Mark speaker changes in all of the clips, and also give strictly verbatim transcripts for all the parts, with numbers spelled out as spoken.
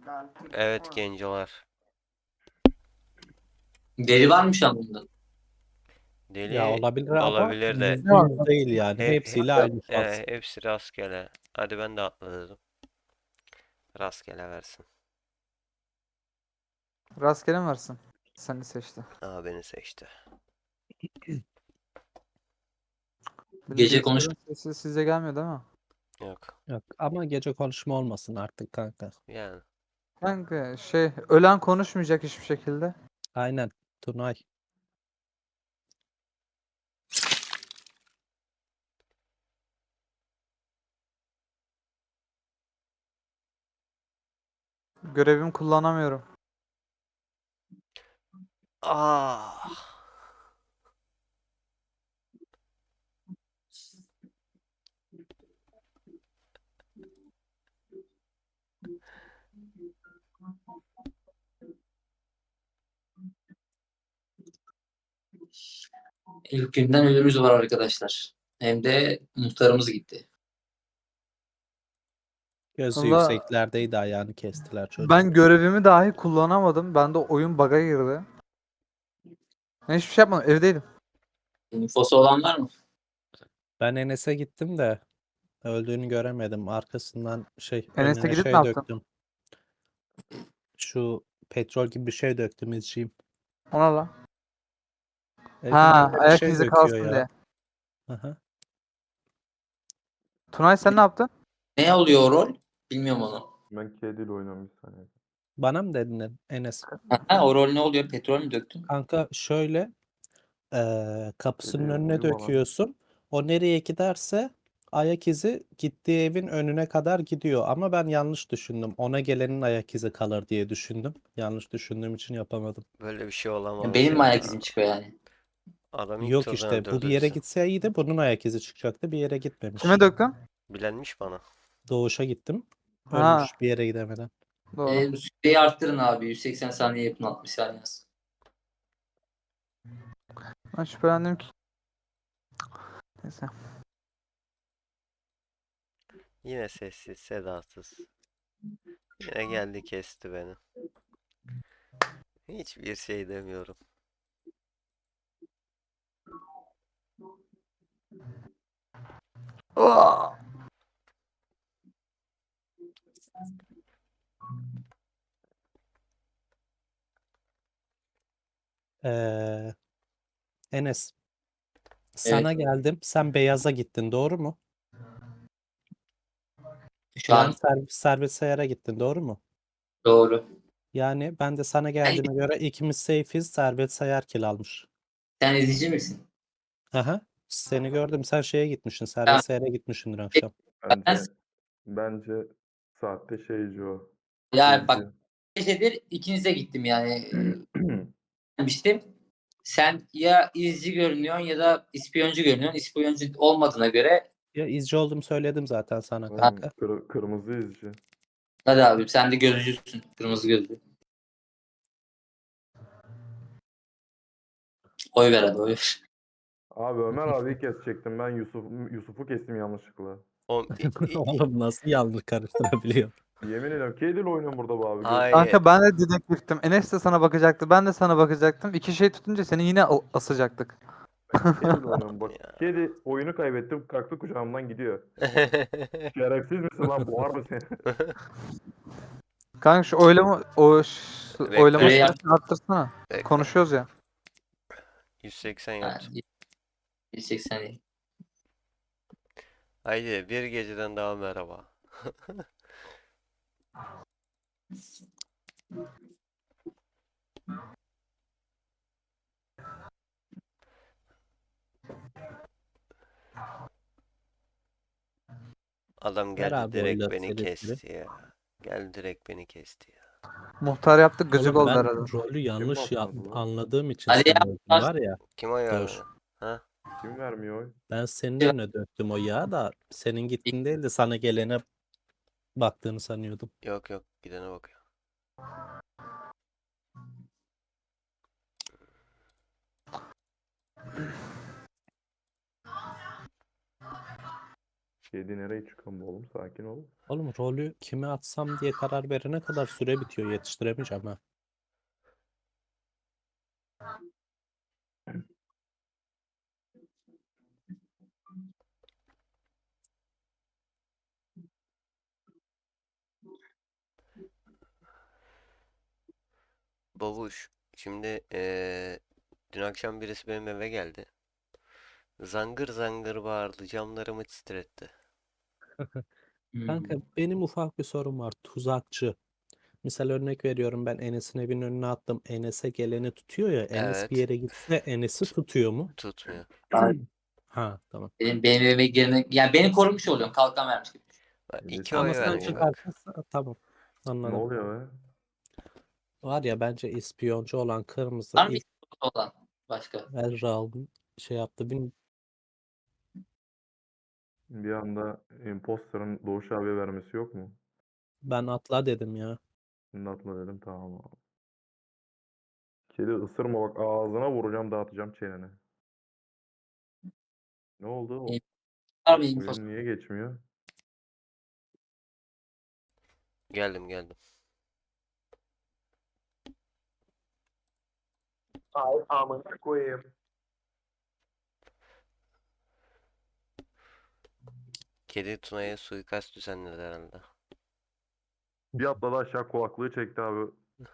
Speaker 1: Evet gencolar.
Speaker 2: Deri var mı şu an bunda?
Speaker 3: Ya
Speaker 1: Deli
Speaker 3: olabilir ama
Speaker 1: olabilir de
Speaker 3: yüzde yüz değil yani.
Speaker 1: he, he-
Speaker 3: Hepsiyle aynı şans.
Speaker 1: e, hepsi rastgele. Hadi ben de atladım. Rastgele versin.
Speaker 4: Rastgele mi varsın? Seni seçti.
Speaker 1: Aa beni seçti.
Speaker 4: Benim
Speaker 2: Gece konuş.
Speaker 4: bilgisayarın sesi size gelmiyor değil mi?
Speaker 1: Yok.
Speaker 3: Yok ama gece konuşma olmasın artık kanka.
Speaker 1: Yani.
Speaker 4: Kanka şey ölen konuşmayacak hiçbir şekilde.
Speaker 3: Aynen Tunay.
Speaker 4: Görevimi kullanamıyorum.
Speaker 1: Ah.
Speaker 2: İlk günden ölümümüz var arkadaşlar. Hem de muhtarımız gitti.
Speaker 3: Gözü
Speaker 4: Valla
Speaker 3: yükseklerdeydi, ayağını kestiler çocuğun.
Speaker 4: ben görevimi dahi kullanamadım. Bende oyun bug'a girdi. Ben hiçbir şey yapmadım. Evdeydim.
Speaker 2: Infosu olan var mı?
Speaker 3: Ben Enes'e gittim de öldüğünü göremedim. Arkasından şey
Speaker 4: Enes'e
Speaker 3: önüne
Speaker 4: gidip ne
Speaker 3: şey
Speaker 4: yaptın?
Speaker 3: döktüm. Şu petrol gibi bir şey döktüm izciyim.
Speaker 4: Ona la.
Speaker 3: Elinden
Speaker 4: Ha,
Speaker 3: de bir
Speaker 4: ayak
Speaker 3: şey
Speaker 4: izi
Speaker 3: döküyor
Speaker 4: kalsın
Speaker 3: ya.
Speaker 4: diye.
Speaker 3: Aha.
Speaker 4: Tunay sen ne yaptın?
Speaker 2: Ne oluyor o rol? Bilmiyorum onu.
Speaker 5: Ben kediyle oynuyorum bir saniye.
Speaker 3: Bana mı dedin Enes?
Speaker 2: Ha, o rol ne oluyor? Petrol mü döktün?
Speaker 3: Kanka şöyle eee, kapısının
Speaker 5: Kedi
Speaker 3: önüne
Speaker 5: uyuma lan.
Speaker 3: döküyorsun. O nereye giderse ayak izi gittiği evin önüne kadar gidiyor. Ama ben yanlış düşündüm. Ona gelenin ayak izi kalır diye düşündüm. Yanlış düşündüğüm için yapamadım.
Speaker 1: Böyle bir şey
Speaker 2: Yani
Speaker 1: olamaz
Speaker 2: benim mi ayak
Speaker 1: ya.
Speaker 2: izim çıkıyor yani?
Speaker 1: Adam ilk
Speaker 3: Yok
Speaker 1: turdan
Speaker 3: işte bu bir
Speaker 1: öldürdü
Speaker 3: yere
Speaker 1: bizi.
Speaker 3: gitse iyiydi. Bunun ayak izi çıkacaktı. Bir yere
Speaker 4: Kime
Speaker 3: gitmemiş.
Speaker 4: döktün?
Speaker 1: Bilenmiş bana.
Speaker 3: Doğuşa gittim.
Speaker 4: Ha,
Speaker 3: Ölmüş bir yere gidemeden.
Speaker 4: doğru.
Speaker 2: E, bu süreyi arttırın abi. yüz seksen saniye yapın, altmış saniye yaz.
Speaker 4: Ben şüphelendim ki. Neyse.
Speaker 1: Yine sessiz, sedasız. Yine geldi kesti beni. Hiçbir şey demiyorum.
Speaker 4: Aa!
Speaker 3: Ee, Enes,
Speaker 2: Evet.
Speaker 3: sana geldim. Sen beyaza gittin, doğru mu?
Speaker 2: Şu
Speaker 3: Yani
Speaker 2: an
Speaker 3: servis, servis sayara gittin, doğru mu?
Speaker 2: doğru.
Speaker 3: Yani ben de sana
Speaker 2: Sen,
Speaker 3: geldiğime göre ikimiz safe'iz. Servet sayar kill almış.
Speaker 2: sen izleyici misin?
Speaker 3: Aha. Seni gördüm. Sen şeye gitmişsin.
Speaker 2: Tamam.
Speaker 3: Servet sayara gitmişsindir akşam.
Speaker 2: Ben
Speaker 5: Bence bence sahte şeyci o.
Speaker 2: ya
Speaker 5: İzci.
Speaker 2: bak, gecedir ikinize gittim yani. Demiştim. Sen ya izci görünüyorsun ya da ispiyoncu görünüyorsun. İspiyoncu olmadığına göre
Speaker 3: Ya izci oldum söyledim zaten sana
Speaker 5: Oğlum,
Speaker 3: kanka.
Speaker 5: kır- kırmızı izci.
Speaker 2: hadi abi sen de gözcüsün. Kırmızı gözlü. Oy ver hadi, oy ver.
Speaker 5: Abi Ömer abiyi kesecektim. Ben Yusuf Yusuf'u kestim yanlışlıkla.
Speaker 1: O, i- i- i-
Speaker 3: Oğlum nasıl yanlış karıştırabiliyor?
Speaker 5: Yemin ediyorum kediyle oynuyorum burada bu abi. Göz...
Speaker 1: hayır.
Speaker 4: Kanka ben de dedektiftim. Enes de sana bakacaktı. Ben de sana bakacaktım. İki şey tutunca seni yine a- asacaktık.
Speaker 5: Kediyle oynuyorum bak.
Speaker 1: Ya.
Speaker 5: Kedi oyunu kaybettim. Kalktı kucağımdan gidiyor. Şerefsiz misin lan? Boğar mı seni?
Speaker 4: Kanka şu oylama o ş- oylama
Speaker 1: Bekle.
Speaker 2: Süreyi
Speaker 4: süresini arttırsana.
Speaker 1: Bekle.
Speaker 4: Konuşuyoruz ya.
Speaker 1: yüz seksen
Speaker 2: Ha,
Speaker 1: yaptım.
Speaker 2: yüz seksen.
Speaker 1: Haydi bir geceden daha merhaba. Adam
Speaker 3: Ver
Speaker 1: geldi
Speaker 3: abi
Speaker 1: direkt
Speaker 3: oyları
Speaker 1: beni
Speaker 3: seri seri.
Speaker 1: kesti ya. Geldi direkt beni kesti ya.
Speaker 4: Muhtar yaptık gıcık
Speaker 3: Oğlum
Speaker 4: oldu
Speaker 3: ben
Speaker 4: herhalde.
Speaker 3: rolü yanlış ya
Speaker 5: basmadı lan?
Speaker 3: anladığım için
Speaker 2: Hadi
Speaker 3: seni
Speaker 2: ya.
Speaker 3: öldüm var ya.
Speaker 1: Kim oy
Speaker 3: Dur.
Speaker 1: vermedi? Ha?
Speaker 5: Kim vermiyor oy?
Speaker 3: Ben senin önüne döktüm o yağı da senin gittin değil de sana gelene baktığını sanıyordum.
Speaker 1: Yok yok gidene bakıyor.
Speaker 5: Kedi nereye çıkıyor bu oğlum? Sakin ol.
Speaker 3: Oğlum rolü kime atsam diye karar verene kadar süre bitiyor. Yetiştiremeyeceğim ha.
Speaker 1: Babuş. Şimdi eee, dün akşam birisi benim eve geldi. Zangır zangır bağırdı. Camlarımı titretti.
Speaker 2: Hmm.
Speaker 3: Kanka benim ufak bir sorum var. Tuzakçı. Misal örnek veriyorum, ben Enes'in evinin önüne attım. Enes'e geleni tutuyor ya. Enes bir
Speaker 1: Evet.
Speaker 3: yere gitse Enes'i tutuyor mu?
Speaker 1: Tutmuyor.
Speaker 3: Ha tamam.
Speaker 2: Benim, benim evime girene, yani beni korumuş oluyorsun. Kalkan vermiş gibi.
Speaker 1: Bak,
Speaker 5: Enes
Speaker 1: iki
Speaker 3: Ama
Speaker 1: oy
Speaker 5: abi
Speaker 3: sen
Speaker 1: vermiş
Speaker 5: oğlum.
Speaker 1: bak.
Speaker 3: çıkarsa tamam.
Speaker 5: Ne
Speaker 3: Anladım.
Speaker 5: oluyor be?
Speaker 3: Var ya, bence ispiyoncu olan kırmızı
Speaker 2: Var mı
Speaker 3: ilk
Speaker 2: olan başka?
Speaker 3: Erral şey yaptı. Bin,
Speaker 5: Bir anda imposter'ın Doğuş abiye vermesi yok mu?
Speaker 3: ben atla dedim ya.
Speaker 5: Şimdi atla dedim tamam abi. Kedi ısırma bak ağzına vuracağım dağıtacağım çeneni. Ne oldu? O-
Speaker 2: Var mı info?
Speaker 5: Oyun niye geçmiyor?
Speaker 1: Geldim geldim.
Speaker 5: Ay amına koyayım.
Speaker 1: Kedi Tuna'ya suikast düzenledi herhalde.
Speaker 5: Bir atladı aşağı kulaklığı çekti abi.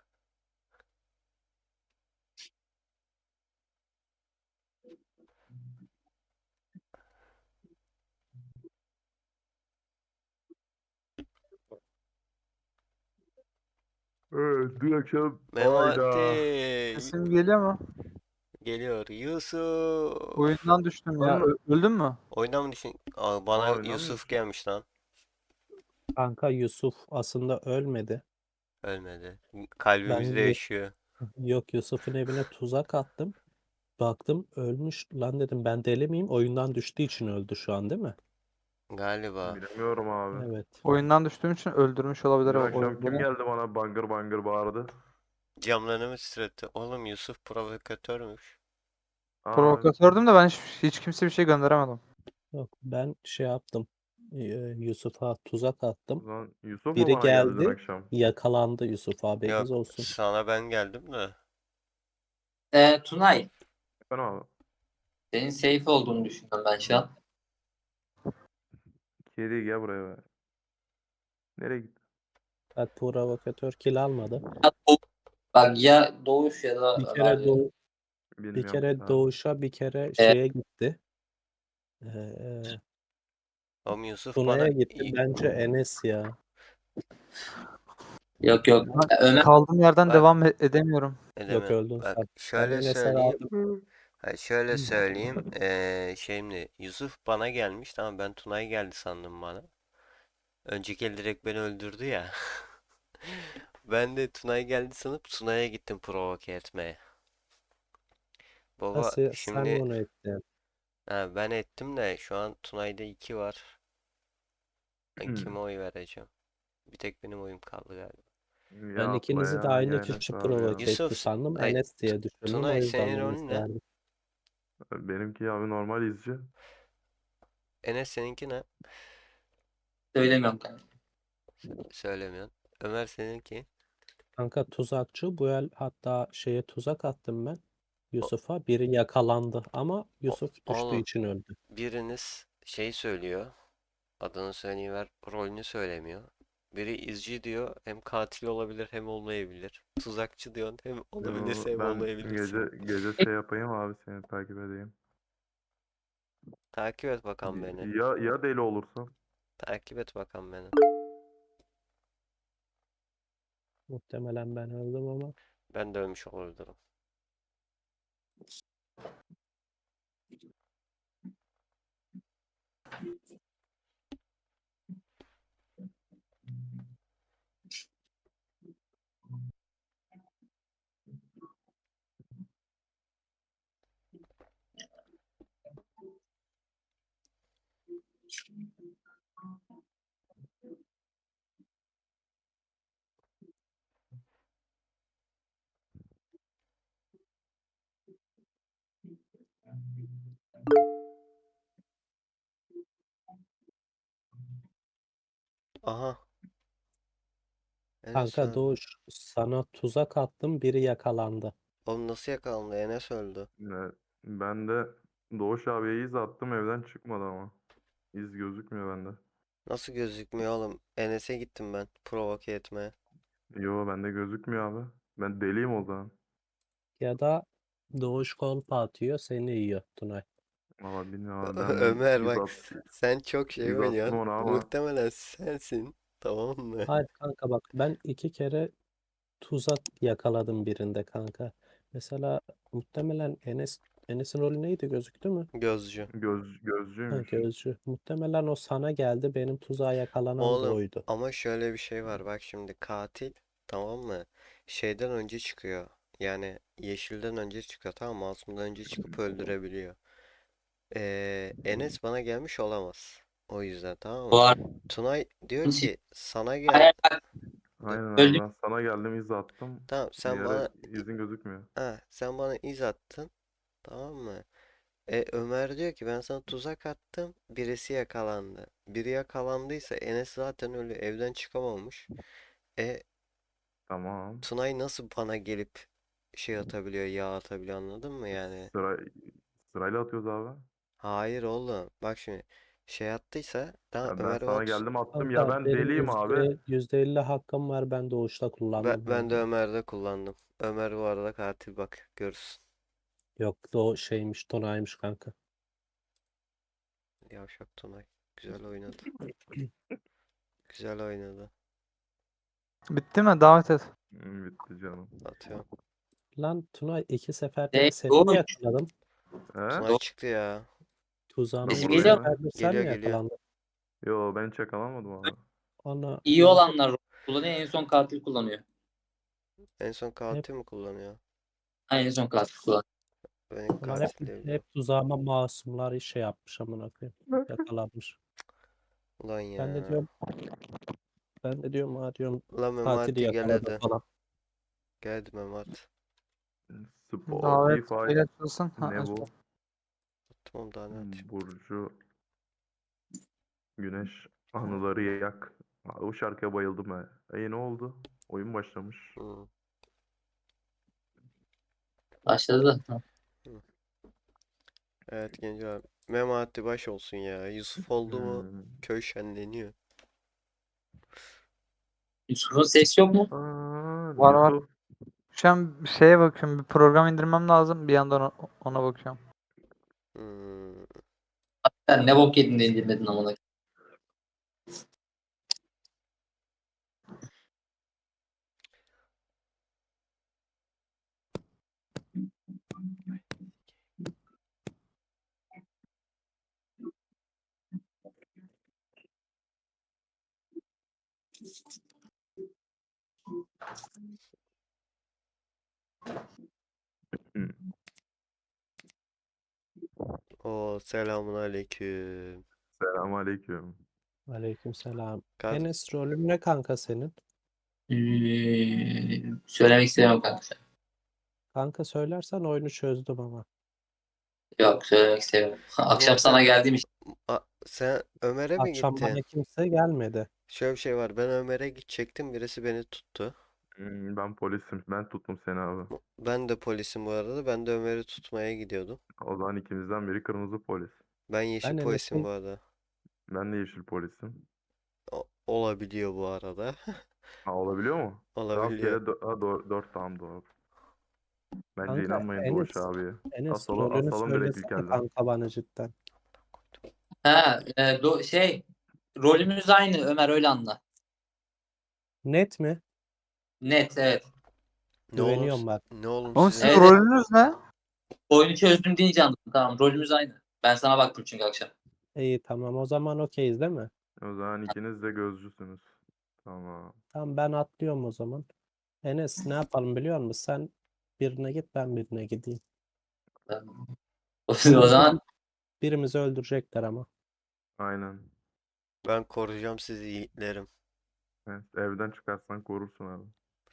Speaker 5: Evet dün akşam hayda.
Speaker 1: Memati
Speaker 4: Sesim geliyor mu?
Speaker 1: geliyor. Yusuf.
Speaker 4: Oyundan düştüm ya.
Speaker 5: Lan
Speaker 4: Ö- öldün mü?
Speaker 1: Oyuna mı düşün? Aa, bana
Speaker 5: Aa oyundan mı
Speaker 1: Yusuf
Speaker 5: düştün?
Speaker 1: gelmiş lan.
Speaker 3: Kanka Yusuf aslında ölmedi.
Speaker 1: Ölmedi.
Speaker 3: Ben
Speaker 1: Kalbimizde
Speaker 3: Yu-
Speaker 1: yaşıyor.
Speaker 3: yok, Yusuf'un evine tuzak attım. Baktım ölmüş. Lan dedim, ben deli miyim? Oyundan düştüğü için öldü şu an değil mi?
Speaker 1: Galiba.
Speaker 5: Bilemiyorum abi.
Speaker 3: Evet.
Speaker 4: Oyundan düştüğüm için öldürmüş olabilir
Speaker 5: Dün
Speaker 4: o
Speaker 5: akşam
Speaker 4: oyun
Speaker 5: kim
Speaker 4: beni.
Speaker 5: geldi bana bangır bangır bağırdı?
Speaker 1: Camlarını titretti. Oğlum Yusuf provokatörmüş.
Speaker 5: Aa
Speaker 4: Provokatördüm de ben hiç, hiç kimse bir şey gönderemedim.
Speaker 3: Yok, ben şey yaptım. Ee, Yusuf'a tuzak attım.
Speaker 5: lan Yusuf mu
Speaker 3: Biri
Speaker 5: bana geldi dün
Speaker 3: geldi,
Speaker 5: akşam?
Speaker 3: yakalandı Yusuf, haberiniz
Speaker 1: Yok
Speaker 3: olsun.
Speaker 1: sana ben geldim de.
Speaker 2: Ee, Tunay.
Speaker 5: Ben abi.
Speaker 2: Senin safe olduğunu düşünüyorum ben şu an.
Speaker 5: Kedi gel buraya be. Nereye gitti?
Speaker 3: Bak, provokatör kill almadı.
Speaker 2: Bak ya Doğuş ya da
Speaker 3: Bir
Speaker 2: Ömer
Speaker 3: kere
Speaker 2: diyor.
Speaker 3: doğu, bir
Speaker 5: Bilmiyorum ki
Speaker 3: kere
Speaker 5: abi.
Speaker 3: doğuşa, bir kere
Speaker 2: Evet.
Speaker 3: şeye gitti. Ee,
Speaker 1: Oğlum Yusuf bana
Speaker 3: Tuna'ya gitti.
Speaker 1: İ-
Speaker 3: Bence Enes ya.
Speaker 2: Yok yok.
Speaker 4: Ben
Speaker 2: Ya Ömer
Speaker 4: kaldığım yerden
Speaker 1: bak
Speaker 4: devam e- edemiyorum.
Speaker 3: Yok,
Speaker 1: edemem.
Speaker 3: öldün
Speaker 1: Bak
Speaker 3: sen. Ben
Speaker 1: şöyle
Speaker 3: Enes'e
Speaker 1: söyleyeyim.
Speaker 3: verdim.
Speaker 1: Hayır, şöyle söyleyeyim. Eee şimdi Yusuf bana gelmiş. Tamam ben Tunay geldi sandım bana. Önceki el direkt beni öldürdü ya. Ben de Tunay geldi sanıp Tunay'a gittim provoke etmeye. Baba
Speaker 3: Nasıl sen
Speaker 1: şimdi
Speaker 3: onu ettin?
Speaker 1: ha, ben ettim de şu an Tunay'da iki var. Ben kime oy vereceğim? Bir tek benim oyum kaldı galiba.
Speaker 3: Ben
Speaker 5: Ya atla
Speaker 3: ikinizi de
Speaker 5: ya
Speaker 3: aynı
Speaker 5: ya Enes
Speaker 3: kişi
Speaker 5: abi ya.
Speaker 3: provoke etti
Speaker 1: Yusuf,
Speaker 3: sandım.
Speaker 1: ay
Speaker 3: Enes
Speaker 1: T-
Speaker 3: diye düşündüm. O
Speaker 1: Tunay
Speaker 3: yüzden
Speaker 1: senin rolün
Speaker 3: Enes'e
Speaker 1: ne?
Speaker 3: verdim.
Speaker 5: Benimki abi normal izci.
Speaker 1: Enes seninki ne?
Speaker 2: söylemiyorum kanka.
Speaker 1: Söylemiyorsun. Ömer seninki.
Speaker 3: Kanka tuzakçı bu el, hatta şeye tuzak attım ben.
Speaker 1: O,
Speaker 3: Yusuf'a, biri yakalandı ama
Speaker 1: o,
Speaker 3: Yusuf düştüğü
Speaker 1: oğlum
Speaker 3: için öldü.
Speaker 1: biriniz şey söylüyor. Adını söyleyiver. Rolünü söylemiyor. Biri izci diyor. Hem katil olabilir hem olmayabilir. Tuzakçı diyorsun. Hem
Speaker 5: Yo,
Speaker 1: olabilirse hem
Speaker 5: ben
Speaker 1: olmayabilirsin.
Speaker 5: gece gece şey yapayım abi seni takip edeyim.
Speaker 1: Takip et bakalım beni.
Speaker 5: Ya ya deli olursan?
Speaker 1: Takip et bakalım beni.
Speaker 3: Muhtemelen ben öldüm ama.
Speaker 1: Ben de ölmüş olabilirim. Aha. Enes
Speaker 3: Kanka
Speaker 1: öldü.
Speaker 3: Doğuş sana tuzak attım, biri yakalandı.
Speaker 1: Oğlum nasıl yakalandı? Enes öldü.
Speaker 5: Evet. Ben de Doğuş abiye iz attım, evden çıkmadı ama. İz gözükmüyor bende.
Speaker 1: Nasıl gözükmüyor oğlum? Enes'e gittim ben provoke etmeye.
Speaker 5: Yo, bende gözükmüyor abi. Ben deliyim o zaman.
Speaker 3: Ya da Doğuş kolpa atıyor, seni yiyor Tunay.
Speaker 5: Valla bilmiyorum abi, ben hemen
Speaker 1: Ömer
Speaker 5: iz
Speaker 1: bak
Speaker 5: at
Speaker 1: s- sen çok şey
Speaker 5: iz attım
Speaker 1: oynuyorsun.
Speaker 5: ona ama
Speaker 1: Muhtemelen sensin. Tamam mı?
Speaker 3: Hayır kanka bak, ben iki kere tuzak yakaladım birinde kanka. Mesela muhtemelen Enes Enes'in rolü neydi, gözüktü mü?
Speaker 1: Gözcü.
Speaker 5: göz
Speaker 3: Ha,
Speaker 5: gözcüymüş.
Speaker 3: gözcü. Muhtemelen o sana geldi, benim tuzağa yakalanan da
Speaker 1: Oğlum
Speaker 3: oydu.
Speaker 1: ama şöyle bir şey var. Bak şimdi katil tamam mı? Şeyden önce çıkıyor. Yani yeşilden önce çıkıyor. Tamam mı? Masumdan önce çıkıp öldürebiliyor. Ee, Enes bana gelmiş olamaz. O yüzden tamam
Speaker 2: Bu
Speaker 1: mı?
Speaker 2: arada
Speaker 1: Tunay diyor ki sana
Speaker 2: hayır,
Speaker 1: geldi.
Speaker 2: bak,
Speaker 5: Aynen abi,
Speaker 2: öldüm.
Speaker 5: ben sana geldim, iz attım.
Speaker 1: Tamam sen
Speaker 5: Diğeri
Speaker 1: bana
Speaker 5: izin gözükmüyor.
Speaker 1: ha, sen bana iz attın. Tamam mı? E, Ömer diyor ki ben sana tuzak attım. Birisi yakalandı. Biri yakalandıysa Enes zaten öyle evden çıkamamış. E
Speaker 5: Tamam.
Speaker 1: Tunay nasıl bana gelip şey atabiliyor, yağ atabiliyor anladın mı yani?
Speaker 5: Sıra sırayla atıyoruz abi.
Speaker 1: Hayır oğlum. Bak şimdi şey attıysa tamam
Speaker 5: Ya ben
Speaker 1: Ömer bana
Speaker 5: sana
Speaker 1: tuz-
Speaker 5: geldim attım ya,
Speaker 3: Kanka
Speaker 5: ben
Speaker 3: benim
Speaker 5: deliyim abi.
Speaker 3: yüzde, yüzde elli hakkım var, ben Doğuş'ta
Speaker 1: ben,
Speaker 3: kullandım
Speaker 1: ben de
Speaker 3: kanka.
Speaker 1: Ömer'de kullandım. Ömer bu arada katil bak görürsün.
Speaker 3: Yok, o şeymiş, Tunay'mış kanka.
Speaker 1: Yavşak Tunay. Güzel oynadı. Güzel oynadı.
Speaker 4: Bitti mi? Davet et.
Speaker 5: Hı, bitti canım.
Speaker 1: Atıyorum.
Speaker 3: Lan Tunay, iki seferde
Speaker 2: Ne?
Speaker 3: de seni mi
Speaker 2: Doğuş.
Speaker 3: yakaladım?
Speaker 5: He?
Speaker 1: Tunay çıktı ya.
Speaker 3: Tuzağıma
Speaker 5: Ben
Speaker 2: Sesim
Speaker 3: iki
Speaker 2: geliyor
Speaker 5: buradayım
Speaker 2: mu?
Speaker 5: he.
Speaker 3: seferdir sen
Speaker 1: Geliyor
Speaker 3: mi
Speaker 1: geliyor.
Speaker 3: yakalandın?
Speaker 5: Yo, ben hiç yakalamadım abi.
Speaker 3: Ona
Speaker 2: İyi
Speaker 3: ben
Speaker 2: olanlar kullanıyor, en son katil kullanıyor.
Speaker 1: En son
Speaker 3: hep,
Speaker 1: katil mi kullanıyor?
Speaker 2: Ha, en son katil kullanıyor.
Speaker 1: Ben ilk
Speaker 3: ulan hep,
Speaker 1: katil diye biliyorum.
Speaker 3: hep tuzağıma masumlar iş şey yapmış, amına koyayım. Yakalanmış.
Speaker 1: Ulan
Speaker 3: Ben de
Speaker 1: ya.
Speaker 3: diyorum, ben de diyorum ha diyorum,
Speaker 1: Ulan
Speaker 3: katili
Speaker 1: Memati gel
Speaker 3: yakaladı
Speaker 1: hadi.
Speaker 3: falan.
Speaker 1: Geldi Memat.
Speaker 4: Davet
Speaker 5: Spotify
Speaker 4: ile açılsın. Ha,
Speaker 5: ne
Speaker 4: aç.
Speaker 5: bu?
Speaker 1: Tamam daha ne atayım?
Speaker 5: Burcu Güneş anıları yak. Abi, o şarkıya bayıldım ha. E ne oldu? Oyun başlamış.
Speaker 1: Hmm.
Speaker 2: Başladı.
Speaker 1: Hı. Evet gençler. Memati baş olsun ya. Yusuf oldu mu
Speaker 5: Hmm.
Speaker 1: köy şenleniyor.
Speaker 2: Yusuf'un sesi yok mu?
Speaker 5: Aa,
Speaker 4: Var var.
Speaker 5: Yusuf.
Speaker 4: Şu an bir şeye bakıyorum. Bir program indirmem lazım. Bir yandan o- ona bakıyorum.
Speaker 1: Hmm.
Speaker 2: Sen ne bok yedin de indirmedin amına.
Speaker 5: Hmm.
Speaker 1: O selamun aleyküm.
Speaker 5: Selamünaleyküm.
Speaker 3: Aleykümselam.
Speaker 1: Kad
Speaker 3: Enes, rolün ne kanka senin?
Speaker 2: Ee, söylemek istemiyorum kanka.
Speaker 3: Kanka söylersen oyunu çözdüm ama.
Speaker 2: Yok, söylemek istemiyorum. Akşam
Speaker 1: Muhtem
Speaker 2: sana geldiğim için.
Speaker 1: A- sen Ömer'e mi
Speaker 3: Akşam
Speaker 1: gittin?
Speaker 3: bana kimse gelmedi.
Speaker 1: Şöyle bir şey var. Ben Ömer'e gidecektim. Birisi beni tuttu.
Speaker 5: Hmm, ben polisim. Ben tuttum seni abi.
Speaker 1: Ben de polisim bu arada. Ben de Ömer'i tutmaya gidiyordum.
Speaker 5: O zaman ikimizden biri kırmızı polis.
Speaker 1: Ben yeşil
Speaker 3: Ben
Speaker 1: polisim
Speaker 3: Enes'in
Speaker 1: bu arada.
Speaker 5: Ben de yeşil polisim.
Speaker 1: O- olabiliyor bu arada.
Speaker 5: Ha, olabiliyor mu? Rastgele
Speaker 1: Olabiliyor.
Speaker 5: dö- ha, doğru, dört, tamam, doğru. Bence
Speaker 3: kanka
Speaker 5: inanmayın Doğuş
Speaker 3: Enes
Speaker 5: abiye.
Speaker 3: Enes
Speaker 5: Asalım,
Speaker 3: rolünü
Speaker 5: asalım direkt
Speaker 3: söylesene
Speaker 5: ilkelden.
Speaker 3: kanka bana cidden.
Speaker 2: Ha, e, do- şey rolümüz aynı Ömer, öyle anla.
Speaker 3: Net mi?
Speaker 2: Net, evet.
Speaker 1: Ne oğlum
Speaker 3: Güveniyorum bak.
Speaker 1: ne oğlum
Speaker 4: Oğlum
Speaker 1: sizin
Speaker 4: sizin
Speaker 2: Evet, evet.
Speaker 4: rolünüz ne?
Speaker 2: Oyunu çözdüm deyince anladım. Tamam, rolümüz aynı. Ben sana baktım çünkü akşam.
Speaker 3: İyi, tamam, o zaman okeyiz değil mi?
Speaker 5: O zaman ikiniz de gözcüsünüz. Tamam.
Speaker 3: Tamam, ben atlıyorum o zaman. Enes, ne yapalım biliyor musun? Sen birine git, ben birine gideyim.
Speaker 2: O
Speaker 3: Ama
Speaker 2: zaman
Speaker 3: birim- birimizi öldürecekler ama.
Speaker 5: Aynen.
Speaker 1: Ben koruyacağım sizi yiğitlerim.
Speaker 5: Evet, evden çıkarsan korursun abi.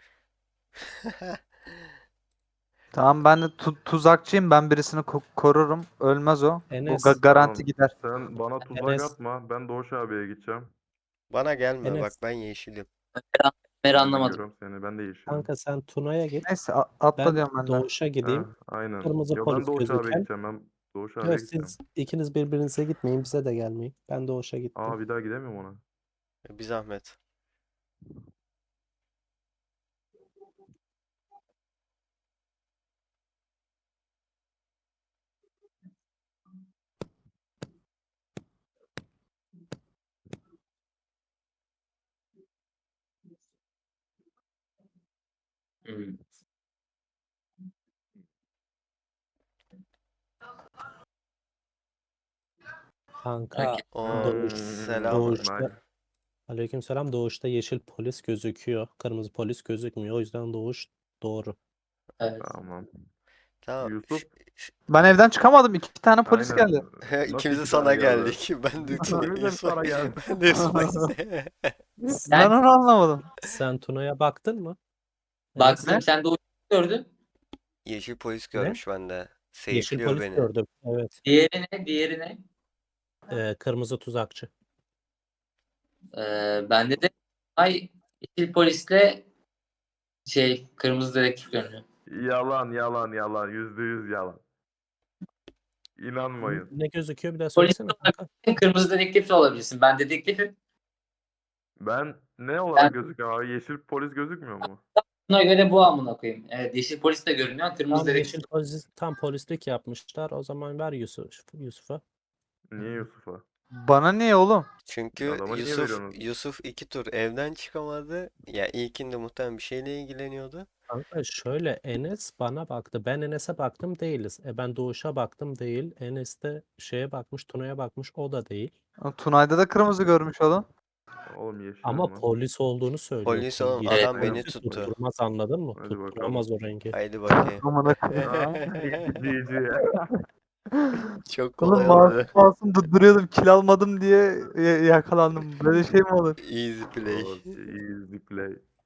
Speaker 4: Tamam, ben de tu- tuzakçıyım. Ben birisini ko- korurum. Ölmez o. O ga-
Speaker 3: Enes,
Speaker 4: garanti
Speaker 5: Tamam.
Speaker 4: gider.
Speaker 5: Sen bana tuzak
Speaker 3: Enes,
Speaker 5: atma. Ben Doğuş abiye gideceğim.
Speaker 1: Bana gelme bak
Speaker 3: Enes,
Speaker 1: ben yeşilim.
Speaker 2: Ömer'i
Speaker 5: Ben de
Speaker 2: anlamadım.
Speaker 5: görüyorum seni. Ben de yeşilim.
Speaker 3: kanka sen Tuna'ya git.
Speaker 4: Neyse a- atla
Speaker 3: Ben
Speaker 4: diyorum ben de.
Speaker 3: Doğuş'a gideyim.
Speaker 5: Ha, aynen.
Speaker 3: Kırmızı
Speaker 5: Yo ben
Speaker 3: polis
Speaker 5: Doğuş abiye
Speaker 3: gözüken.
Speaker 5: gideceğim. Ben Doğuş abiye
Speaker 3: Yok
Speaker 5: gideceğim.
Speaker 3: siz ikiniz birbirinize gitmeyin. Bize de gelmeyin. Ben Doğuş'a gittim.
Speaker 5: Aa bir daha gidemiyorum ona.
Speaker 1: Bir zahmet.
Speaker 2: Hmm.
Speaker 3: Kanka
Speaker 2: Okey.
Speaker 1: Oo,
Speaker 3: Doğuş,
Speaker 1: selam.
Speaker 3: Doğuş'ta
Speaker 5: Nice.
Speaker 3: Aleykümselam, Doğuş'ta yeşil polis gözüküyor. Kırmızı polis gözükmüyor. O yüzden Doğuş doğru.
Speaker 2: Evet.
Speaker 5: Tamam.
Speaker 1: Tamam.
Speaker 5: Yusuf.
Speaker 1: ş-
Speaker 4: Ben evden çıkamadım. İki tane polis
Speaker 5: Aynen.
Speaker 4: geldi.
Speaker 5: Nasıl
Speaker 1: İkimiz de
Speaker 5: iki
Speaker 1: sana
Speaker 5: tane geldi?
Speaker 1: geldik. Ben de Tuna,
Speaker 5: İkimiz de
Speaker 1: Yusuf.
Speaker 5: sana geldi.
Speaker 1: Ben de Yusuf'a
Speaker 4: Ben onu anlamadım.
Speaker 3: Sen Tuna'ya baktın mı?
Speaker 2: Baktım
Speaker 4: Ne?
Speaker 2: sen Doğuş'u gördün.
Speaker 1: Yeşil polis
Speaker 3: Ne?
Speaker 1: görmüş bende.
Speaker 3: Yeşil
Speaker 1: Seyfliyor
Speaker 3: polis
Speaker 1: beni.
Speaker 3: gördüm. Evet.
Speaker 2: Diğeri ne? Diğeri ne?
Speaker 3: Ee, kırmızı tuzakçı.
Speaker 2: Ee, bende de ay yeşil polisle şey kırmızı dedektif görünüyor.
Speaker 5: Yalan yalan yalan. Yüzde yüz yalan. İnanmayın.
Speaker 3: Ne gözüküyor bir daha
Speaker 2: Polis
Speaker 3: söylesene
Speaker 2: de
Speaker 3: kanka.
Speaker 2: olabilirsin, kırmızı dedektif de olabilirsin. Ben dedektifim.
Speaker 5: Ben ne olarak gözüküyorum abi? Yeşil polis gözükmüyor mu?
Speaker 2: Buna göre bu amına koyayım. Evet, yeşil polis de görünüyor. Kırmızı
Speaker 3: Tam
Speaker 2: dedektif.
Speaker 3: yeşil polis, tam polislik yapmışlar. O zaman ver Yusuf, Yusuf'a.
Speaker 5: Niye Yusuf'a?
Speaker 4: Bana niye oğlum?
Speaker 1: Çünkü
Speaker 5: Adama niye
Speaker 1: Yusuf
Speaker 5: veriyorsunuz?
Speaker 1: Yusuf iki tur evden çıkamadı. Ya ilkinde muhtemelen bir şeyle ilgileniyordu.
Speaker 3: Kanka şöyle, Enes bana baktı. Ben Enes'e baktım, değiliz. E ben Doğuş'a baktım, değil. Enes de şeye bakmış, Tuna'ya bakmış, o da değil.
Speaker 4: Tunay'da da kırmızı görmüş oğlum.
Speaker 5: Oğlum yeşilim
Speaker 3: Ama
Speaker 5: lan.
Speaker 3: polis olduğunu söylüyor.
Speaker 1: Polis
Speaker 3: Tun-
Speaker 1: oğlum
Speaker 3: yeşil
Speaker 2: Evet.
Speaker 1: adam beni
Speaker 3: polisi
Speaker 1: tuttu.
Speaker 3: tutturmaz, anladın mı?
Speaker 5: Hadi bakalım.
Speaker 3: Tutturamaz o rengi.
Speaker 1: Haydi bakayım.
Speaker 4: Amına koyayım.
Speaker 5: Aa, G G.
Speaker 1: Çok
Speaker 4: Oğlum
Speaker 1: kolay
Speaker 4: masum
Speaker 1: oldu.
Speaker 4: masum duruyordum. Kil almadım diye ya- yakalandım. Böyle şey mi olur?
Speaker 1: Easy play.
Speaker 5: Okay, easy play.